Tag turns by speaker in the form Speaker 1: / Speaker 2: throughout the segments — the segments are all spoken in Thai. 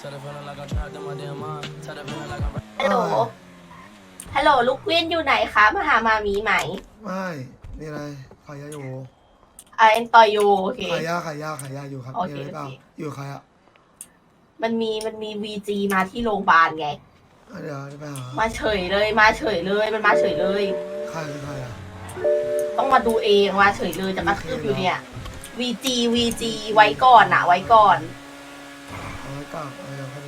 Speaker 1: ฮัลโหลฮัลโหลลูกเวียนอยู่ไหนคะมาหามามีไหม
Speaker 2: ไม่นี่อะไรขายยาอยู่
Speaker 1: เอ็นต่อยอยู่โอเค
Speaker 2: ขายยาอยู่ครับ
Speaker 1: โอ
Speaker 2: มี
Speaker 1: เค
Speaker 2: อะไรเปล่า
Speaker 1: โอเค
Speaker 2: อยู่ใครอ่ะ
Speaker 1: มันมีวีจีมาที่โรงพยาบาลไง
Speaker 2: เดี๋ยวจะไปหา
Speaker 1: มาเฉยเลยมันมาเฉยเลย
Speaker 2: ใครคือใครอ่ะ
Speaker 1: ต้องมาดูเองมาเฉยเลยจะมาคืบอยู่เนี่ยวีจีไว้ก่อนไว้ก่อน
Speaker 2: เอาไว้กลับเอาอย่างนี้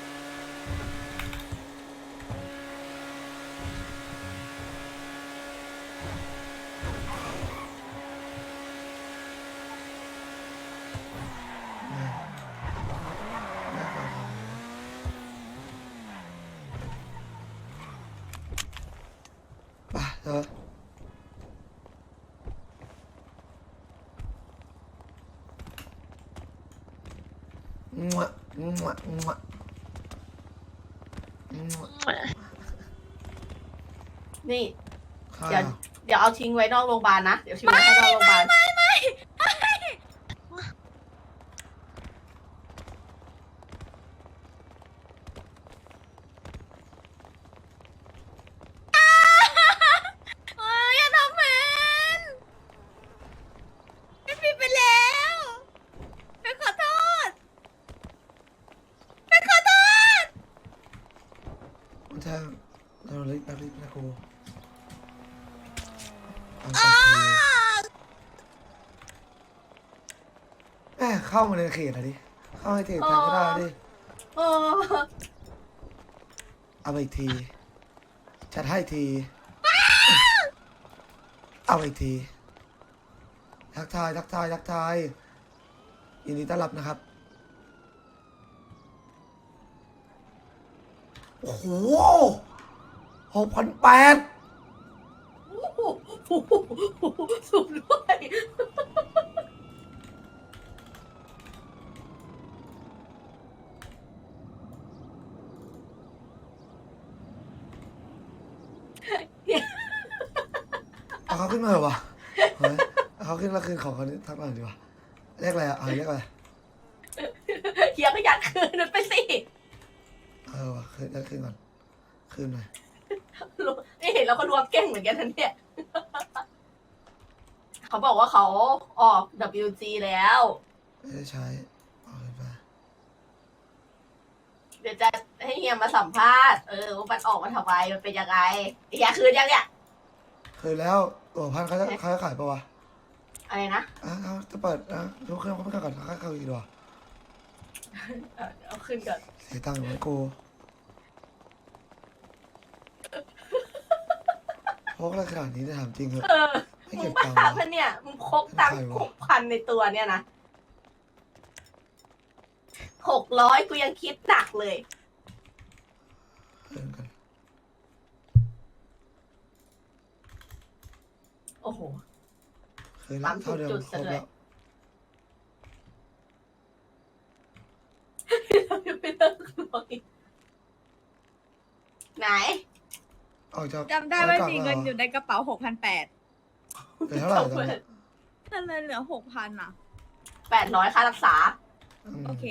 Speaker 2: ไปเถอะงวะงวะงวะงวะ
Speaker 1: นี่
Speaker 2: ใคร
Speaker 1: เดี๋ยว
Speaker 2: อ่ะ
Speaker 1: เดี๋ยวเอาทิ้งไว้นอกโรงพยาบาลนะเดี๋ยวทิ้งไว้ให้นอกโรงพยาบาล
Speaker 3: อย่าทำเหมือนไม่ผิดไปแล้วไปขอโทษไปขอโทษ
Speaker 2: มันจะเราเล็กนะครูเอาก่อนทีแม่เข้ามาในเขตอะดิเข้าในเขตแทนก็ได้ดิ
Speaker 1: เออ
Speaker 2: เอาไปอีกทีจัดให้ทีเอาไปอีกทีทักทายยินดีต้อนรับนะครับ โอ้โห6,800
Speaker 1: สูงด้วย
Speaker 2: เอาเขาขึ้นมาเหรอวะเฮ้ยเอาเขาขึ้นแล้วคืนของเขาทักมาหน่อยดีกว่าเรียกอะไรอ่ะเรียกอะไร
Speaker 1: เฮียก็อยากคืนมันไปสิ
Speaker 2: วะคืนคืนก่อนคืนหน่อย
Speaker 1: นี่เห็นแล้วก็รวมเก่งเหมือนกันทันเนี่ย เขาบอกว่าเขาออก WG แล้ว
Speaker 2: ไม่ได้ใช้เอาขึ้นไป
Speaker 1: เดี๋ยวจะให้เฮียมาสัมภาษณ์ว่ามันออกมาทำไมมันเป็นยังไงเฮียคืนยังเนี่ย
Speaker 2: คืนแล้วตัวพันเขาจะขายปะวะ
Speaker 1: อะไรนะ
Speaker 2: เขาจะเปิดดูเครื่องเขาไม่ขายก่อนเขาขายอีกดีกว่า
Speaker 1: เอาขึ้นก่อน
Speaker 2: เสียตังค์เหมือนกูพกอะไรขนาดนี้จะถามจริงเหรอไม่
Speaker 1: มึ
Speaker 2: เก็
Speaker 1: ง
Speaker 2: บ
Speaker 1: มา
Speaker 2: ตังค์
Speaker 1: หา
Speaker 2: เหรอ
Speaker 1: พันเนี่ยมึงพกตังค์
Speaker 2: ใครวะ
Speaker 1: 6,000ในตัวเนี่ยนะ600กูยังคิดหนักเลย
Speaker 2: คืนกัน
Speaker 1: โอ้โห
Speaker 2: คืนแล้วเท่าเดิม
Speaker 1: จุด
Speaker 2: ครบ
Speaker 1: ซะด้วย
Speaker 2: แล้ว
Speaker 1: ไม่เลิกร้อยไหน
Speaker 2: ออกจาก
Speaker 3: จำได้ว่า
Speaker 2: ออก
Speaker 3: มี
Speaker 2: จาก
Speaker 3: เงิน
Speaker 2: หร
Speaker 3: อยู่ในกระเป๋า6,800
Speaker 2: เหลือเท่าไหร่ตอนนี้
Speaker 3: นั่นเลยเหลือ6,000อ่ะ
Speaker 1: 800ค่ารักษา
Speaker 3: โอเค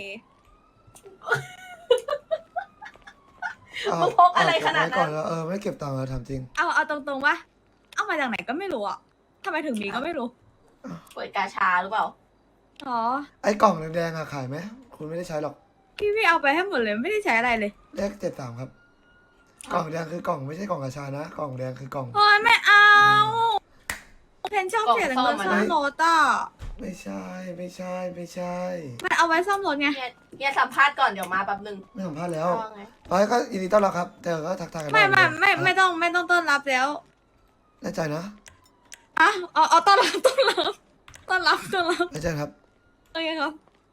Speaker 1: มึงพกอะไรขนาดนั้น
Speaker 2: เก็บไว้ก่อนแล้วไม่เก็บตังค์แล้วถามจริง
Speaker 3: เอาตรงๆว่าเอามาจากไหนก็ไม่รู้อ่ะทำไมถึงมีก็ไม่รู้
Speaker 1: เปิดกาชาหรือเปล่า
Speaker 3: อ๋อ
Speaker 2: ไอ้กล่องแดงๆอะขายไหมคุณไม่ได้ใช้หรอก
Speaker 3: พี่เอาไปให้หมดเลยไม่ได้ใช้อะไรเลย
Speaker 2: เลข73ครับ กล่องแดงคือกล่องไม่ใช่กล่องกระชานะกล่องแดงคือกล่อง
Speaker 3: โอ้ยไม่เอาเพนชอบเสียเงินซ่อมรถอ่ะ
Speaker 2: ไม่ใช่ไม่ใช่
Speaker 3: มันเอาไว้ซ่อมรถไง
Speaker 1: เนี่ยสัมภาษณ์ก่อนเดี๋ยวมาแป๊บนึง
Speaker 2: ไม่สัมภาษณ์แล้ว
Speaker 1: ว่าไง
Speaker 2: ไปก็ยินดีต้อนรับครับแต่ก็ทักทายกัน
Speaker 3: ไม่
Speaker 2: ด้
Speaker 3: ไม่ต้องต้อนรับแล้ว
Speaker 2: แน่ใจนะ
Speaker 3: อ่ะเอาต้อนรับ
Speaker 2: แน่ใจครับ
Speaker 3: โอเคครับ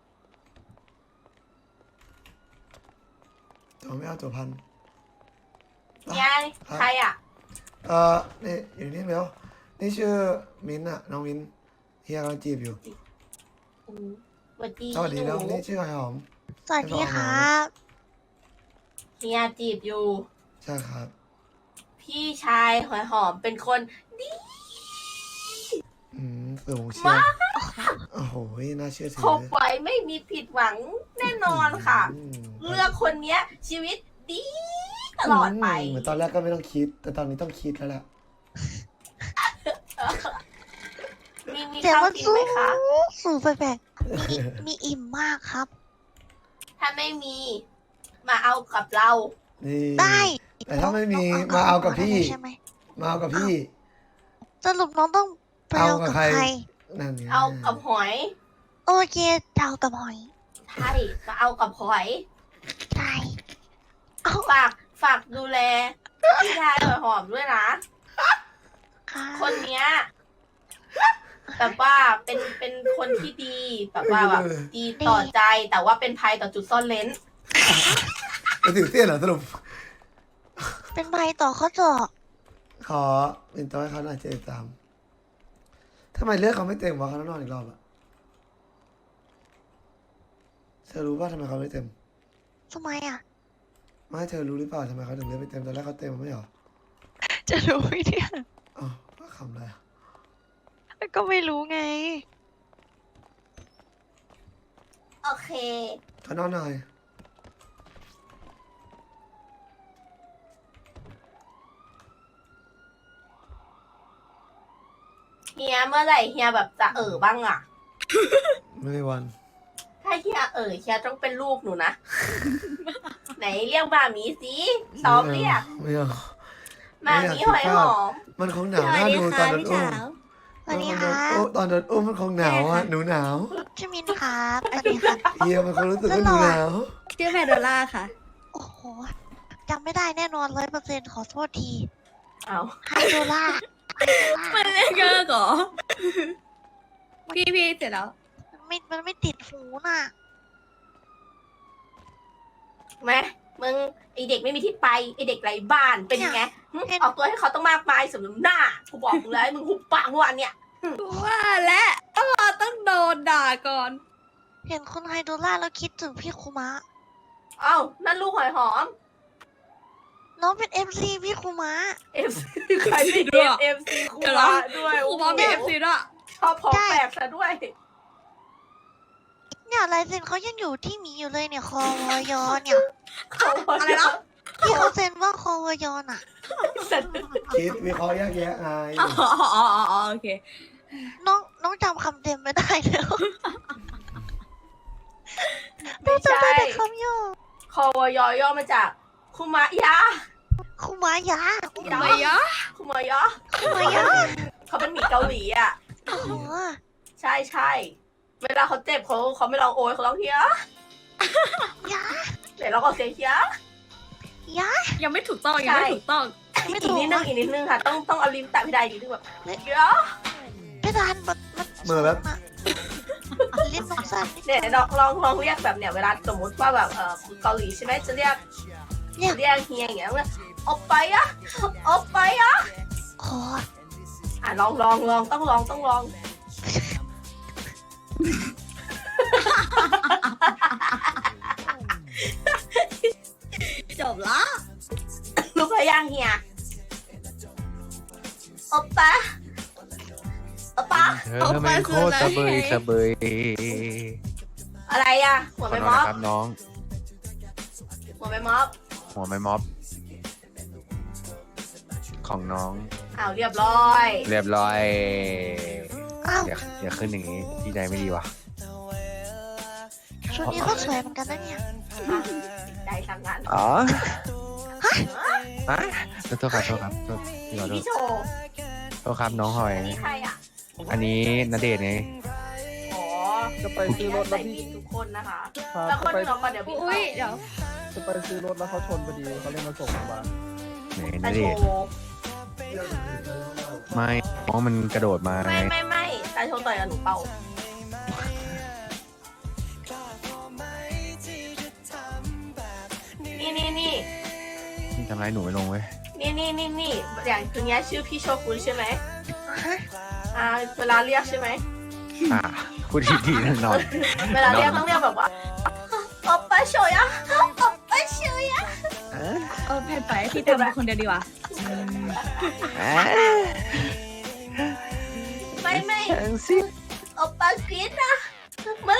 Speaker 2: ตัวไม่เอาตัวพัน
Speaker 1: เนี่ยใครอ่ะ
Speaker 2: นี่อยู่นี่เดี๋ยวนี่ชื่อมิ้นท์อะน้องมิ้นท์เฮียกำลังจีบอยู่
Speaker 1: สวัสดี
Speaker 2: สวัสดี
Speaker 1: ห
Speaker 2: แล้วนี่ชื่อไอหอม
Speaker 4: สวัสดีครับ
Speaker 1: เฮียจีบอยู่
Speaker 2: ใช่ครับ
Speaker 1: พี่ชายหอยหอมเป็นคนดี
Speaker 2: สูงเชียวโอ้โหน่าเชื่อถือ
Speaker 1: คบไว้ไม่มีผิดหวังแน่นอนค่ะ เลือกคนเนี้ย ชีวิตดีตลอดไป
Speaker 2: เหมือนตอนแรกก็ไม่ต้องคิด แต่ตอนนี้ต้องคิดแล้วแหละ
Speaker 1: มี
Speaker 3: แต่
Speaker 1: ข้าว
Speaker 3: ว่า
Speaker 1: กิน
Speaker 3: สู
Speaker 1: ไหม
Speaker 3: ง
Speaker 1: คะ
Speaker 3: สูงไปแบบมีอิ่มมากครับ
Speaker 1: ถ้าไม่มีมาเอากับเรา
Speaker 2: นี่
Speaker 3: ได้
Speaker 2: แต่ถ้าไม่มี
Speaker 3: น้ง
Speaker 2: มาเอากับพี่
Speaker 3: ใช่ไหม
Speaker 2: มาเอากับพี่
Speaker 3: สรุปน้องต้องไปเอากับใคร
Speaker 2: นั่นไง
Speaker 1: เอากับหอย
Speaker 3: โอเคเอากับหอย
Speaker 1: ใช่มาเอากับหอย
Speaker 3: ใช่เอา
Speaker 1: ฝากดูแลพี่ชายหอมด้วยนะ
Speaker 3: ค่ะ
Speaker 1: คนเนี้ยแบบว่าเป็นคนที่ดีแบบว่าแบบดีต่อใจแต่ว่าเป็นภัยต่อจุดซ่อนเลน
Speaker 2: ไปถึงเตี้ยนเหรอสรุป
Speaker 3: เป็นใบต่อข้อจอบ
Speaker 2: ขอเป็นตัวให้เขาหน่อย73ทำไมเลือกเขาไม่เต็มวะเขาต้องนอนอีกรอบอะเธอรู้ป่ะทำไมเขาไม่เต็ม
Speaker 3: ทำไมอ่ะ
Speaker 2: ไม่เธอรู้หรือเปล่าทำไมเขาถึงเลือกไม่เต็มตอนแรกเขาเต็มไม่เหรอ
Speaker 3: จะรู้ไหมเนี่ย
Speaker 2: อ๋อว่าคำอะไรอะ
Speaker 3: ก็ไม่รู้ไง
Speaker 1: โอเค
Speaker 2: เขานอนหน่อย
Speaker 1: เฮียเมื่อไหร่เฮียแบบจะบ้างอ่ะ
Speaker 2: ไม่มีวัน
Speaker 1: ถ้าเฮียเฮียต้องเป็นลูกหนูนะ ไหนเรียกมามีสิซ้อมเรียก
Speaker 2: ไม่เอา
Speaker 1: มามีหอยหอม
Speaker 2: มันคงหนาวน่าดูตอนโดนอุ้ม
Speaker 3: สวัสดีค่ะ
Speaker 2: ตอนโดนอุ้มมันคงหนาวอ่ะหนูหนาว
Speaker 3: ชื่อมินครับสวัสดีครับ
Speaker 2: เฮียมันคงรู้สึกว่าหนูหนาว
Speaker 4: ชื่อแพนโดล่าค่ะ
Speaker 3: โอ้โหจำไม่ได้แน่นอน100%ขอโทษที
Speaker 1: เอา
Speaker 3: ไฮโดล่า
Speaker 4: มันเล่นเกอร์เหรอ พี่เสร็จแล้ว
Speaker 3: มันไม่ติดหูน่ะ
Speaker 1: แม่มึงไอเด็กไม่มีที่ไปไอเด็กไร้บ้านเป็นยังไงหึออกตัวให้เขาต้องมากมายสมน้ำหน้ากูบอกมึงแล้วมึงหุบปากเมื่อวานเนี่ย
Speaker 4: ว่าและต้องโดนด่าก่อน
Speaker 3: เห็นคุณไฮโดล่าแล้วคิดถึงพี่คุมะ
Speaker 1: เอ้านั่นลูกหอยหอม
Speaker 3: น้องเป็น MC พี่คุมะ
Speaker 1: FC ใครไม่เรียก FC ครูบาด้วย
Speaker 4: ครูบามีเอฟซีด้วย
Speaker 1: ชอบพอแปลกซะด้วย
Speaker 3: เนี่ยลายเซ็นเขายังอยู่ที่หมีอยู่เลยเนี่ยคอวยอเนี่ย
Speaker 4: อะไรนะ
Speaker 3: ที่เขาเซ็นว่าคอวยอน่ะ
Speaker 2: คิดวิเคราะห์แยกแยะไง
Speaker 4: อ๋อโอเค
Speaker 3: น้องจำคำเต็มไม่ได้แล้ว
Speaker 1: ไม่
Speaker 3: จำ
Speaker 1: ใช่
Speaker 3: ได้แต่คำย่อ
Speaker 1: คอวยย่อมาจากคุมะยะ
Speaker 3: คุมายะ
Speaker 4: ทำไมยะ
Speaker 1: คุมะยะ
Speaker 3: คุมายะ
Speaker 1: เขาเป็นหมีเกาหลีอ่ะ
Speaker 3: โอ้โห
Speaker 1: ใช่เวลาเขาเจ็บเขาไม่ร้องโอยเขาร้องเฮีย
Speaker 3: ยะ
Speaker 1: เดี๋ยวเราก็เสียงเฮีย
Speaker 3: ยะ
Speaker 4: ยังไม่ถูกต้องยังไม่ถูกต้อง
Speaker 3: ไม่
Speaker 1: อี
Speaker 3: ถู
Speaker 1: ก
Speaker 3: ก
Speaker 1: นิดนึงอีกนิดนึงค่ะ ต้องเอาลิ้นแตะพี่ใดอีกนิดนึงแบบเฮีย
Speaker 3: เพดานมัน
Speaker 2: เหมือนแบบ
Speaker 3: ลิ้นน้องสั้น
Speaker 1: เนี่ยลองเรียกแบบเนี่ยเวลาสมมติว่าแบบเกาหลีใช่ไหมจะเรียก
Speaker 3: เนี่ย
Speaker 1: เรียกเฮียอย่างเงี้ยว่าออกไปอะออกไปอะ
Speaker 3: คอ
Speaker 1: ลองต้องลอง
Speaker 4: จบละ
Speaker 1: ลูกพยังเฮียออกไปออกไป
Speaker 5: เธอทำไมโคตรสะเบยสะเบย
Speaker 1: อะไรอะหัว
Speaker 5: ขอ
Speaker 1: ไม่
Speaker 5: โท
Speaker 1: ม็อบ
Speaker 5: ษนะครับน้อง
Speaker 1: หัวไม่ม็อบ
Speaker 5: หัวไม่ม็อบ ของน้อง
Speaker 1: เรียบร้อย
Speaker 5: เรียบร้อย
Speaker 3: อ้าว
Speaker 5: อย่าขึ้นอย่างนี้ดีใจไม่ดีวะ
Speaker 3: ชุดนี้ก็สวยเหมือนกันนะเนี่ย
Speaker 1: ใจทำงาน
Speaker 5: อ๋อฮะโทษครับโทษครับโทษพี่ขอโทษ
Speaker 1: พี่โชว์
Speaker 5: โทษครับน้องหอย
Speaker 1: อันนี้ใครอะ
Speaker 5: อันนี้ณเดชน์ไง
Speaker 1: อ๋อ
Speaker 6: จะไปซื้อรถ
Speaker 1: ใส่
Speaker 6: แล้วพี่
Speaker 1: ผิดทุกคนนะคะ
Speaker 6: ครับ
Speaker 1: แล้วคน
Speaker 6: จะไป
Speaker 1: อื่นเราก่อนเดี๋ยวพี่
Speaker 4: อุ้ยเดี๋ยว
Speaker 6: จะไปซื้อรถแล้วเขาชนพอดีเขาเลยมาส่งโรงพยาบาล
Speaker 5: ไหนณ
Speaker 1: ตา
Speaker 5: เด
Speaker 1: โช
Speaker 5: ชน์
Speaker 1: ว์
Speaker 5: ไม่น้องมันกระโดดมา
Speaker 1: ไม่ตาโชว์ต่อยกับหนูเปล่านี่
Speaker 5: ทำร้ายหนูไม่ลงเว้ย
Speaker 1: นี่อย่างคืนนี้ชื่อพี่โชกุนใช่ไหม
Speaker 3: ฮะ
Speaker 1: เวลาเรียกใช่ไหม
Speaker 5: พูดดีๆแน่นอน
Speaker 1: เวลาเรียกต้องเรียกแบบว่าโอปป้าโชยะโอปป้าโชยะ
Speaker 4: แพนไปพี่เติมเป็นคนเดียวดีกว่า
Speaker 1: ไม่
Speaker 5: ทั้งสิ
Speaker 1: โอปป้ากรีดนะ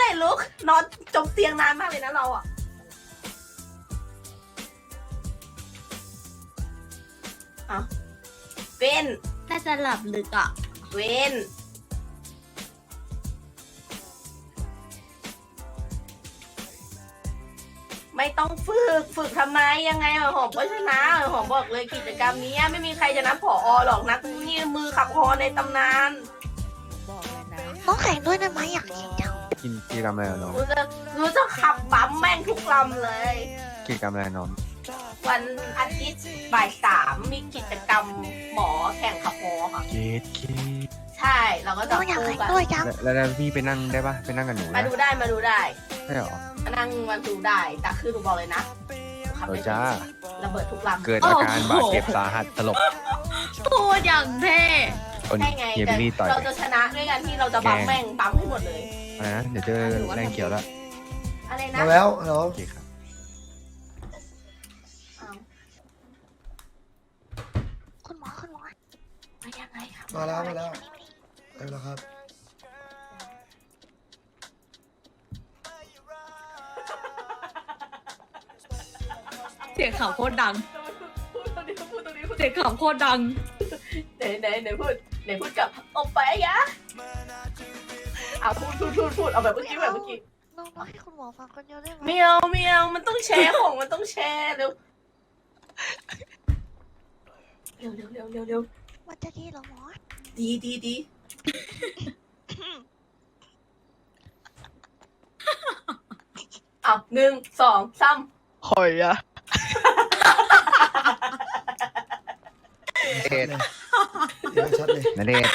Speaker 1: ร่ลุกนอนจมเตียงนานมากเลยนะเราอ่ะเอาเว้น
Speaker 4: น่าจะหลับลึกอ่ะ
Speaker 1: เว้นไม่ต้องฝึกทำไมยังไงหอมก็ชนะหอมบอกเลยกิจกรรมนี้ไม่มีใครจะนับผอหรอกนักนี่มือขับฮอในตำนาน
Speaker 3: ต้องแข่งด้วยนะไหมอยากเล่นจัง
Speaker 5: กินกิจกรรมอะไรอะน้อง
Speaker 1: รู้จะขับปั๊มแม่งทุกลำเลย
Speaker 5: กิจกรรมอะไรน้อง
Speaker 1: วันอาทิตย์บ่าย3มีกิจกรรมหมอแข่งขับฮอค่ะ
Speaker 5: เกตเกต
Speaker 1: ใช่เราก็จะ
Speaker 3: ต้องอยาก
Speaker 1: คู่
Speaker 3: แข่ง
Speaker 1: กัน
Speaker 3: ด้วยจัง
Speaker 5: แล้วพี่ไปนั่งได้ปะไปนั่งกับหนู
Speaker 1: มา
Speaker 5: นะ
Speaker 1: ดูได้มาดูได้
Speaker 5: ใช่หรอ
Speaker 1: มานั่งมาดูได้แต่คือหนูบอกเลยนะขับ
Speaker 5: เออ
Speaker 1: ได้
Speaker 5: จ้า
Speaker 1: ระเบิดทุกลำ
Speaker 5: เกิดอาการบาดเจ็บสาหัสสลบ
Speaker 4: พูดอย่างเท่
Speaker 5: คน
Speaker 1: ใช่ไง
Speaker 5: เฮียบิลลี่ต่อย
Speaker 1: เราจะชนะด้วยกันที่เราจะปั๊มแม่งปั๊มให้หมดเลย
Speaker 5: อะไรนะเดี๋ยวเจอแรงเขียวแล้ว
Speaker 1: อะไรนะ
Speaker 2: มาแล้วฮัลโหล
Speaker 5: โอเคครับ
Speaker 1: อ้าว
Speaker 3: คุณหมอคุณหมอ
Speaker 1: มายังไงครับ
Speaker 2: มาแล้วมาแล้วเอาละครับ
Speaker 4: เสียงขำโคตรดัง
Speaker 1: พูดตรงนี้พูดตรงนี้พูด
Speaker 4: เสียงขำโคตรดัง
Speaker 1: ไหนพูดกับโอไปยะเอาพูดเอาแบบเมื่อกี้แบบเมื่อกี้
Speaker 3: น้องให้คุณหมอฟังคนเดียวได้ไหม
Speaker 1: ไม่เอามันต้องแชร์ของมันต้องแชร์เร็วเร็ว
Speaker 3: มันจะดีเหรอหมอ
Speaker 1: ดีเอา1 2 3
Speaker 7: หอยอะ
Speaker 5: เดช
Speaker 2: เดี๋ยวชัดเลย
Speaker 5: นาเดช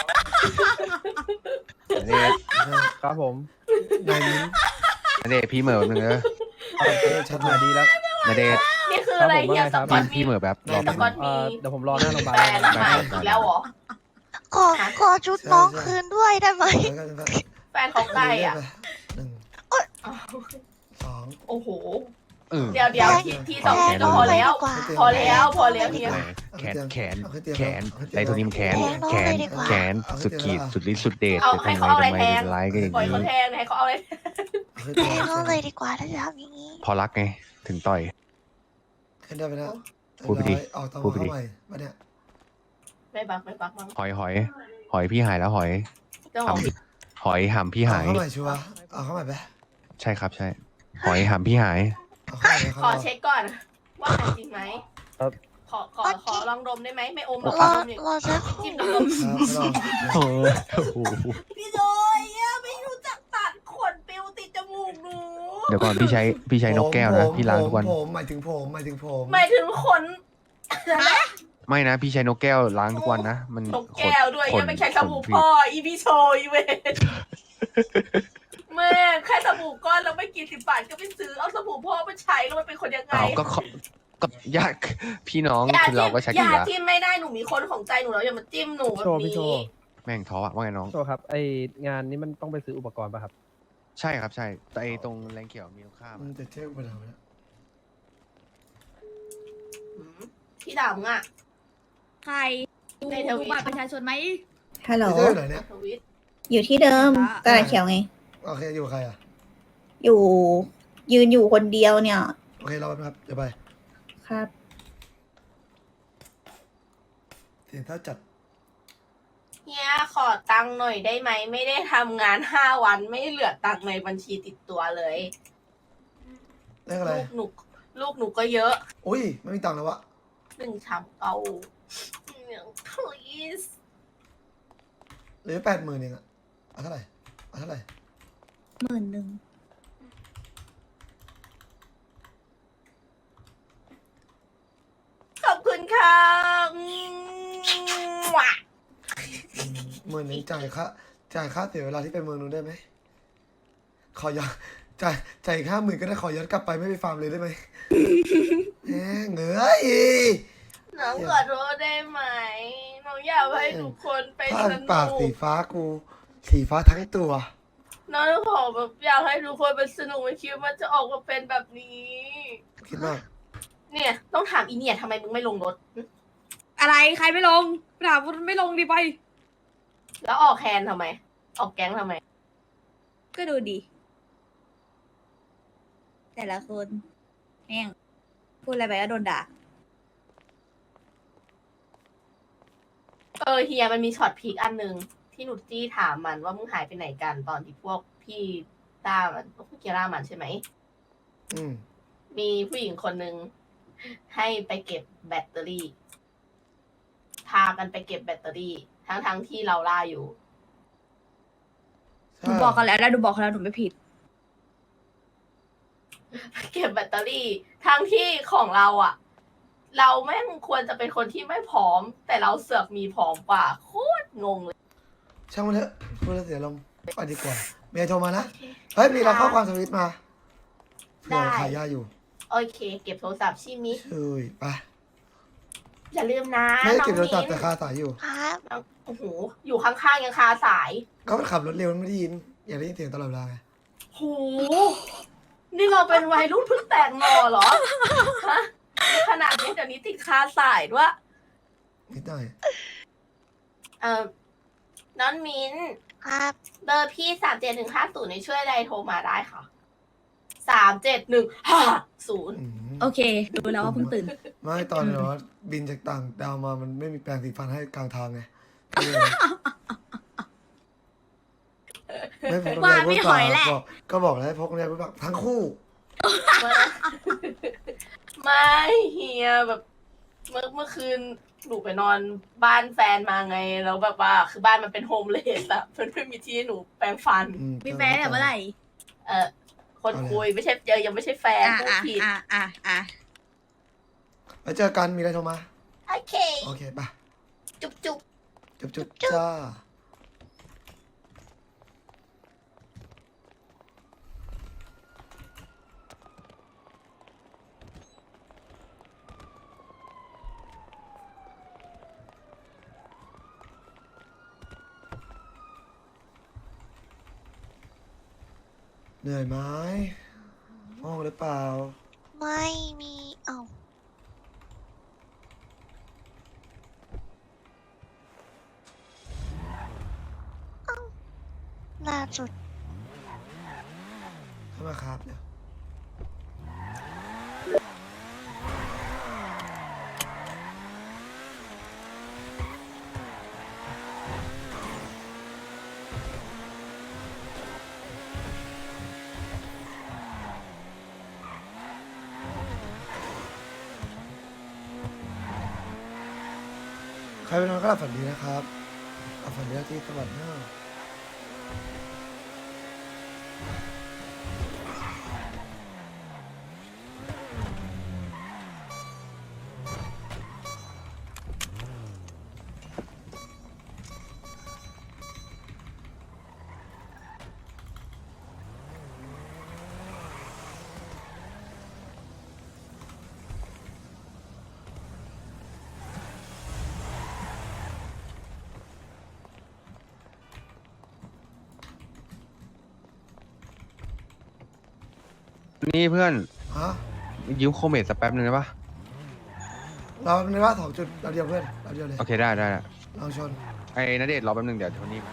Speaker 5: นาเดช
Speaker 6: ครับผม
Speaker 2: นายนิ้ม
Speaker 5: นาเดชพี่เหม่อหนึ่งเออ
Speaker 2: ชัด
Speaker 6: มา
Speaker 2: เลย
Speaker 6: ดีแล้ว
Speaker 5: นาเดช
Speaker 1: นี่คืออะไร
Speaker 6: ครับผม
Speaker 1: เฮีย
Speaker 6: ว่าไง
Speaker 1: ส
Speaker 6: ครับ
Speaker 1: กอต
Speaker 5: พี่เหม่อแบบรอ
Speaker 1: ส
Speaker 5: แป๊บ
Speaker 1: กอ
Speaker 5: นึ
Speaker 1: ต
Speaker 5: ง
Speaker 1: มี
Speaker 6: เดี๋ยวผมรอหน้าโรงพยาบาล
Speaker 1: แฟนใหม่อีกแล้วเหรอ
Speaker 3: ขอชุดน้องคืนด้วยได้ไหม
Speaker 2: แล้วก็
Speaker 1: แฟนเขาใกล้อ่ะ
Speaker 2: หนึ่งสอง
Speaker 1: โอ้โห
Speaker 5: เออ
Speaker 1: เดี๋ยวทีสองทีก็พอแล้ว พอแล้วเฮีย
Speaker 5: แขนไดโทนิมแขนสุดขีดสุดฤทธิ์สุดเดช
Speaker 1: เอา
Speaker 5: จะ
Speaker 1: ให้
Speaker 5: ทำ
Speaker 1: เขา
Speaker 5: ไม
Speaker 1: เอาอะไร
Speaker 5: ทำไม
Speaker 1: แทง
Speaker 5: ร้ายกันอย่าง
Speaker 1: ปล่อยเขา
Speaker 5: นี้
Speaker 1: แทงให้เขาเอาอะไร
Speaker 3: แพ้น้องเลยดีกว่าถ้าจะทำอย่างนี้
Speaker 5: พอรักไงถึงต่อย
Speaker 2: ขึ้นได้ไปนะ
Speaker 5: พูดไปดิ
Speaker 2: ออกตัว
Speaker 5: พูดไป
Speaker 2: เข้า
Speaker 5: ดิ
Speaker 2: ใหม่มาเนี่ย
Speaker 1: ไม่บักมั้ง
Speaker 5: หอยพี่หายแล้วหอย
Speaker 1: เจ้าข
Speaker 5: ห
Speaker 1: อง
Speaker 5: ำหอยหำพี่หาย
Speaker 2: เอาเข้าใหม่ชัวร์เอาเข้าใหม่ไป
Speaker 5: ใช่ครับใช่ หอยหำพี่หาย
Speaker 2: เอาเข้าใหม่
Speaker 1: ขอเช็คก่อน ว่าหายจริงไหม
Speaker 6: ครับ
Speaker 1: ขอลองดมได้ไหมไม่อมหรอก
Speaker 3: รอ
Speaker 1: ดมอย่าง
Speaker 3: รอสักครู่
Speaker 1: จิ้มน้ำนม
Speaker 2: ครับลอง
Speaker 5: โอ้โห
Speaker 1: พี่โดยไม่รู้จักตัดขนปิวติดจมูกหนู
Speaker 5: เดี๋ยวก่อนพี่ใช้นกแก้วนะพี่ล้างทุกวัน
Speaker 2: ผมหมายถึงผม
Speaker 1: หมายถึงขน
Speaker 5: ไม่นะพี่ใช้นกแก้วล้างทุกวันนะมัน
Speaker 1: นกแก้วด้วย
Speaker 5: ขน
Speaker 1: ยังไม่ใช่สบู่
Speaker 5: ขน
Speaker 1: พ่ออีพีโชอีเวนแม่แค่สบู่ก้อนแล้วไม่กี่10 บาทก็ไปซื้อเอาสบู่พ่อมาใช้แล้วมันเป็นคนยังไง
Speaker 5: เอาก็ยากพี่น้องคือเราก็ใช้กันอยู่
Speaker 1: ยา
Speaker 5: แล้ว
Speaker 1: จิ้มไม่ได้หนูมีคนของใจหนูแล้วอย่ามาจิ้มหนูแบบ
Speaker 6: พี่โช
Speaker 1: นี้
Speaker 6: ว์
Speaker 5: แม่งท้ออะว่าไงน้อง
Speaker 6: โชว์ครับไองานนี้มันต้องไปซื้ออุปกรณ์ป่ะครับ
Speaker 5: ใช่ครับใช่แต่ไอ้ตรงแรงเขียวมีค่า
Speaker 2: มันจะเท่ไปแล้วนะ
Speaker 1: พี่ด่ามึงอ่ะ
Speaker 4: ใครดู
Speaker 1: ในทวิต
Speaker 4: บัตรประชาชนไหม
Speaker 8: ฮัลโหล
Speaker 2: พี่เท่ไหนเนี่ย
Speaker 1: ทวิต
Speaker 8: อยู่ที่เดิมตลาดเขียวไง
Speaker 2: โอเคอยู่กับใครอ่ะ
Speaker 8: อยู่ยืนอยู่คนเดียวเนี่ย
Speaker 2: โอเครอแป๊บครับเดี๋ยวไป
Speaker 8: ครับ
Speaker 2: เสียงถ้าจัด
Speaker 1: เฮียขอตังค์หน่อยได้ไหมไม่ได้ทำงาน5 วันไม่เหลือตังค์ในบัญชีติดตัวเลย
Speaker 2: เลขอะไร
Speaker 1: ลูกหนูก็เยอะ
Speaker 2: อุ้ยไม่มีตังค์แล้ววะ
Speaker 1: 1 ชามเอาplease
Speaker 2: เหลือ80,000เองอะเอาเท่าไหร่เอาเท่าไหร่
Speaker 8: 10,000
Speaker 1: ขอบคุณค่ะมั่ว
Speaker 2: 10,000เองจ่ายค่าเสียเวลาที่ไปเมืองนู้นได้ไหมขอย้อนจ่ายอีก50,000ก็ได้ขอย้อนกลับไปไม่ไปฟาร์มเลยได้ไหมแหมเหงื่อย
Speaker 1: น้องขอโทษได้ไหมน้องอยากให้ทุกคนไป
Speaker 2: ผ้า
Speaker 1: ส
Speaker 2: ปาก
Speaker 1: นุ
Speaker 2: สี
Speaker 1: ก
Speaker 2: ฟ้ากู สีฟ้าทั้งตัว
Speaker 1: น้องขอแบบอยากให้ทุกคนไปสนุกไม่คิดว่ามันจะออกมาเป็นแบบนี้
Speaker 2: คิดมาก
Speaker 1: เนี่ยต้องถามอีเนี่ยทำไมมึงไม่ลงรถ
Speaker 4: อะไรใครไม่ลงถามว่าไม่ลงดีไป
Speaker 1: แล้วออกแคนทำไม ออกแก๊งทำไม
Speaker 4: ก็ดูดี
Speaker 8: แต่ละคนแม่งพูดอะไรไปก็โดนด่า
Speaker 1: เฮียมันมีช็อตพีคอันหนึ่งที่หนุจี้ถามมันว่ามึงหายไปไหนกันตอนที่พวกพี่ต้ามันพวกพี่เกียร่ามันใช่ไหม
Speaker 2: อืม
Speaker 1: มีผู้หญิงคนหนึ่งให้ไปเก็บแบตเตอรี่ พากันไปเก็บแบตเตอรี่ ทั้งที่เราล่าอยู่
Speaker 8: หนูบอกกันแล้วนะหนูบอกกันแล้วหนูไม่ผิด
Speaker 1: เก็บแบตเตอรี่ ทั้งที่ของเราอะเราแม่งควรจะเป็นคนที่ไม่พร้อม แต่เราเสือกมีพร้อมกว่าโคตรงงเลย
Speaker 2: ช่างมันเถอะพูดแล้วเสียลมณ์ไปดีกว่าเมียโทรมานะเฮ้ยมีเราข้อความสวิตช์มาเผื่อขายยาอยู่
Speaker 1: โอเค เก็บโทรศัพท์ชิมิ
Speaker 2: ช่วยไป
Speaker 1: อย่าลืมนะ
Speaker 2: ไม่ได้
Speaker 1: น้อง
Speaker 2: เก็บโทรศัพท์
Speaker 1: มิ้
Speaker 2: แต่
Speaker 1: น
Speaker 2: คาสายอยู่
Speaker 3: ครับ
Speaker 1: โอ้โหอยู่ข้างๆยังคาสาย
Speaker 2: ก็มันขับรถเร็วมันไม่ได้ยิน อย่าได้ยินเสียงตลอดเวลาไง
Speaker 1: โห นี่เราเป็นวัยรุ่นเพิ่งแตกหน่อเหรอ ฮะ ขนาดนี้เดี๋ยวนี้ติดคาสายด้วย
Speaker 2: นิดหน่อย
Speaker 1: น้องมิ้น
Speaker 3: ครับ
Speaker 1: เบอร์พี่37150ช่วยอะไรโทรมาได้ค่ะ37150
Speaker 2: อืม
Speaker 8: โอเค ดูแล้วว่าเพิ่งตื่น
Speaker 2: ไม่ตอนแบบว่าบินจากต่างดาวมามันไม่มีแปรงสีฟันให้กลางทางไงไม่พกน้ำ
Speaker 8: ว่า
Speaker 2: ลาย
Speaker 8: ไม่
Speaker 2: พูด
Speaker 8: หอยแหละ
Speaker 2: บอกก็บอกแล้วให้พกน้ำลายพูดปากทั้งคู่
Speaker 1: ไม่เฮียแบบเมื่อคืนหนูไปนอนบ้านแฟนมาไง แล้วแบบว่าคือบ้านมันเป็นโฮมเลสอะมันไม่มีที่ให้หนูแปรงฟัน
Speaker 2: อื
Speaker 8: มีแฟนแต่เมื่อไหร่
Speaker 1: คนคุยไม่ใช่ยังไม่ใช่แฟนพูดผิด
Speaker 2: ไว้เจอกันมีอะไรโทรมา
Speaker 1: โอเค
Speaker 2: โอเคไป
Speaker 1: จุ๊บจุ๊บ
Speaker 2: จุ๊บจ้าเหนื่อยไหมห้องหรือเปล่า
Speaker 3: ไม่มีเอ้าล่าสุด
Speaker 2: เข้ามาครับเดี๋ยวใครไปนอนก็หลับฝันดีนะครับหลับฝันดีที่สวรรค์หน้า
Speaker 5: นี่เพื่อน
Speaker 2: ฮะ
Speaker 5: ยืมโคเมดสักแป๊บนึงได้ปะ
Speaker 2: เราในว่า2 จุดเราเดียวเพื่อนเราเดียวเลย
Speaker 5: โอเคได้ได้ได้
Speaker 2: ลองชน
Speaker 5: ไอ้ณเดชน์รอแป๊บนึงเดี๋ยวโทนี่มา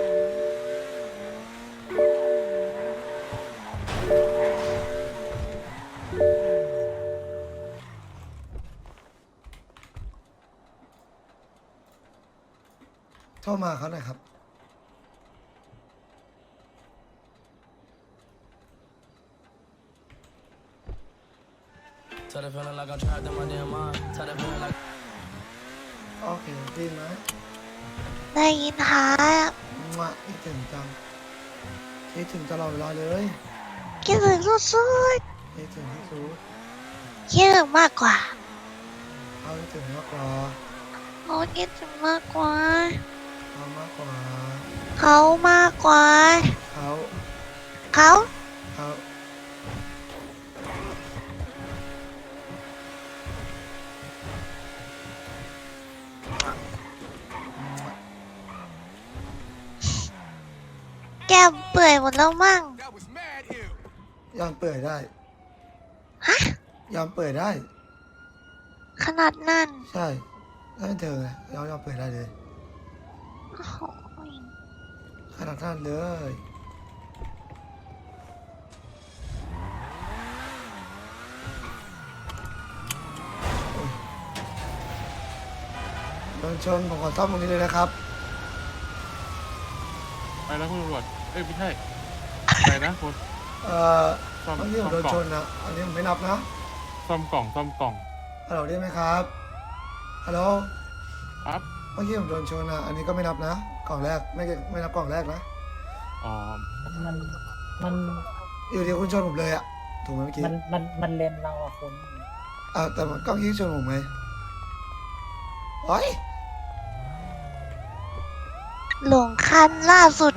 Speaker 2: โทรมาเขาหน่อยครับโอเคได้ยินไหม
Speaker 3: ได้ยินครับ
Speaker 2: มั่วคิดถึงจังคิดถึงตลอดเวลาเลย
Speaker 3: คิดถึงสุด
Speaker 2: คิดถึงที่สุด
Speaker 3: ๆคิดถึงมากกว่า
Speaker 2: เขาคิดถึงมากกว่า
Speaker 3: เขาคิดถึงมากกว่า
Speaker 2: เขามากกว่า
Speaker 3: เขามากกว่า
Speaker 2: เขา
Speaker 3: เขา
Speaker 2: เขา
Speaker 3: แก้มเปื่อยหมดแล้วมั่ง
Speaker 2: ยอมเปิดได้
Speaker 3: ฮะ
Speaker 2: ยอมเปิดได้
Speaker 3: ขนาดนั้น
Speaker 2: ใช่ถ้าเป็นเธอไงยอมเปิดได้เลย
Speaker 3: โอ้โห
Speaker 2: ขนาดนั้นเลยนชนผมขอซ่อมตรงนี้เลยนะครับ
Speaker 7: ไปแล้วคุณตำรวจเอ้ยไม่ใช่ไปนะคุณ ซ่อม
Speaker 2: เมื่อกี้ผมโดน
Speaker 7: ซ่อมกล่อง
Speaker 2: ชนนะอันนี้ผมไม่นับนะ
Speaker 7: ซ่อมกล่องซ่อมกล่อง
Speaker 2: ฮัลโหลได้ไหมครับฮัลโหล
Speaker 7: ครับ
Speaker 2: เมื่อกี้ผมโดนชนนะอันนี้ก็ไม่นับนะกล่องแรกไม่นับกล่องแรกนะ
Speaker 7: อ๋อ
Speaker 6: มัน
Speaker 2: อยู่ดีคุณชนผมเลยอะถูกไหมเมื่อกี้
Speaker 6: มันเลนเราอะคุณ
Speaker 2: แต่มันก็ยิ่งชนผมไงโอ้ย
Speaker 3: หลงคันล่าสุด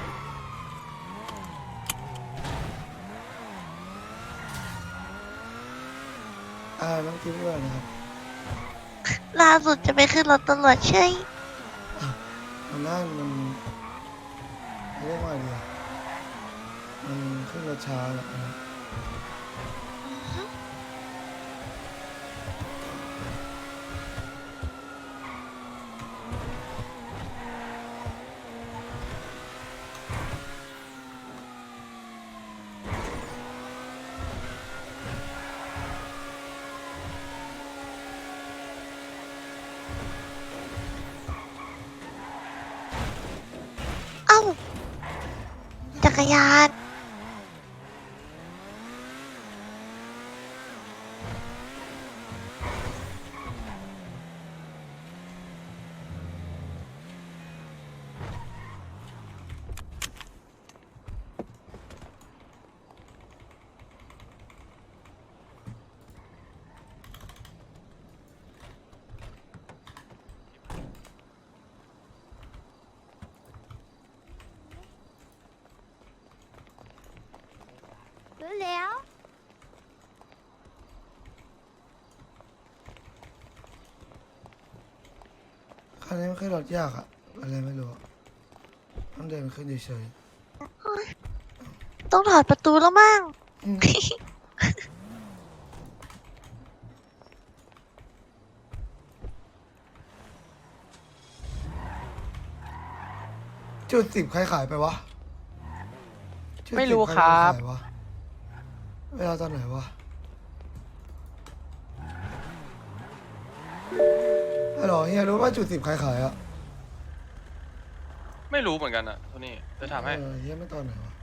Speaker 2: น้องกิ๊ฟด้วยนะครับ
Speaker 3: ล่าสุดจะไปขึ้นรถตำรวจใช่
Speaker 2: มันนั่นมันเรียกว่าอะไรอะมันขึ้นรถช้าแหละนะ
Speaker 3: เอ้า จักรยาน รู้แล้ว
Speaker 2: คันนี้มันขึ้นรถยากอะอะไรไม่รู้อะต้องเดินขึ้นเฉย
Speaker 3: ต้องถอดประตูแล้วมั้ง
Speaker 2: ๆอืมจุด10ใครขายไปวะจุด10
Speaker 9: ไม่รู้ครับ
Speaker 2: ใขายวะเวลาตอนไหนวะฮัลโหลเฮียรู้ว่าจุด10ใครขายอะ
Speaker 9: ไม่รู้เหมือนกันอ่ะโทนี่จะถามให้
Speaker 2: เฮียไม่ตอนไหนวะ